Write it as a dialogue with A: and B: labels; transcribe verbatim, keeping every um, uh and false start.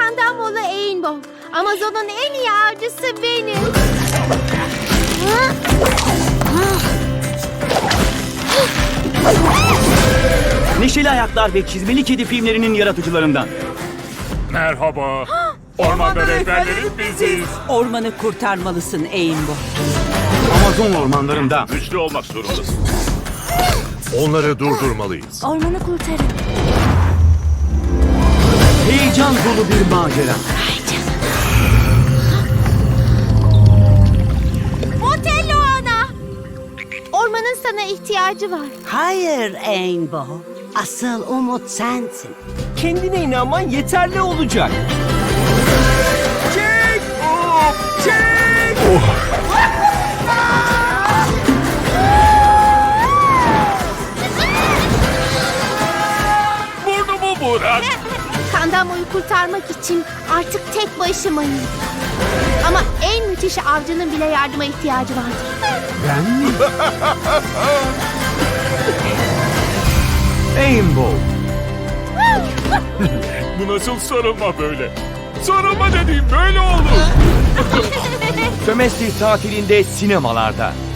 A: Kandamolu Rainbow. Amazon'un en iyi avcısı benim.
B: Neşeli Ayaklar ve Çizmeli Kedi filmlerinin yaratıcılarından.
C: Merhaba. Ormanda rehberlerin biziz.
D: Ormanı kurtarmalısın Rainbow.
B: Amazon ormanlarında.
C: Güçlü olmak zorundasın.
E: Onları durdurmalıyız.
A: Ormanı kurtarın.
B: Heyecan dolu bir macera.
A: Otello ana. Ormanın sana ihtiyacı var.
D: Hayır Rainbow. Asıl umut sensin.
F: Kendine inanman yeterli olacak. Çek! Çek!
C: Burnumu bırak.
A: Kandamoyu kurtarmak için artık tek başımayım. Ama en müthiş avcının bile yardıma ihtiyacı vardır.
B: Rainbow.
C: Bu nasıl sarılma böyle? Sarılma dediğim böyle olur.
B: Sömestr tatilinde sinemalarda.